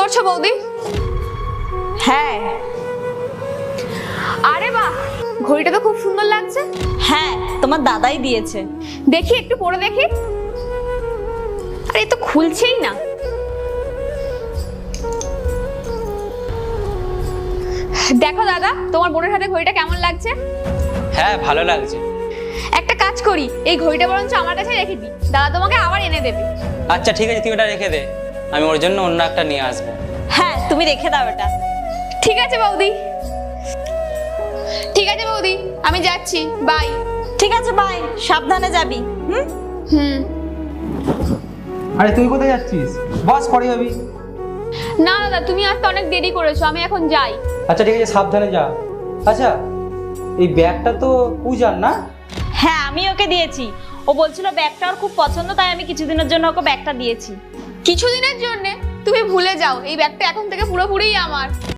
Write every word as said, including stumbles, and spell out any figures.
করছো বৌদি? হ্যাঁ। আরে বাহ, ঘড়িটা তো খুব সুন্দর লাগছে। হ্যাঁ, তোমার দাদাই দিয়েছে। দেখি একটু পরে দেখি। আরে এ তো খুলছেই না। দেখো দাদা, তোমার বোনের হাতে ঘড়িটা কেমন লাগছে? হ্যাঁ, ভালো লাগছে। একটা কাজ করি, এই ঘড়িটা বরঞ্চ আমার কাছে রেখে দিই, দাদা তোমাকে আবার এনে দেবে। আচ্ছা ঠিক আছে, তুই ওটা রেখে দে, আমি ওর জন্য অন্য একটা নিয়ে আসবো। হ্যাঁ, তুমি রেখে দাও এটা। ঠিক আছে বৌদি, ঠিক আছে বৌদি, আমি যাচ্ছি, বাই। ঠিক আছে, বাই, সাবধানে যাবি। হুম হুম। আরে তুই কোথায় যাচ্ছিস? বস, পরে যাবি। না দাদা, তুমি আসতে অনেক দেরি করেছো, আমি এখন যাই। আচ্ছা ঠিক আছে, সাবধানে যা। আচ্ছা, এই ব্যাগটা তো পূজার না? হ্যাঁ, আমি ওকে দিয়েছি। ও বলছিল ব্যাগটা ওর খুব পছন্দ, তাই আমি কিছুদিনের জন্য ওকে ব্যাগটা দিয়েছি। কিছুদিনের জন্য? তুমি ভুলে যাও, এই ব্যাগটা এখন থেকে পুরোপুরিই আমার।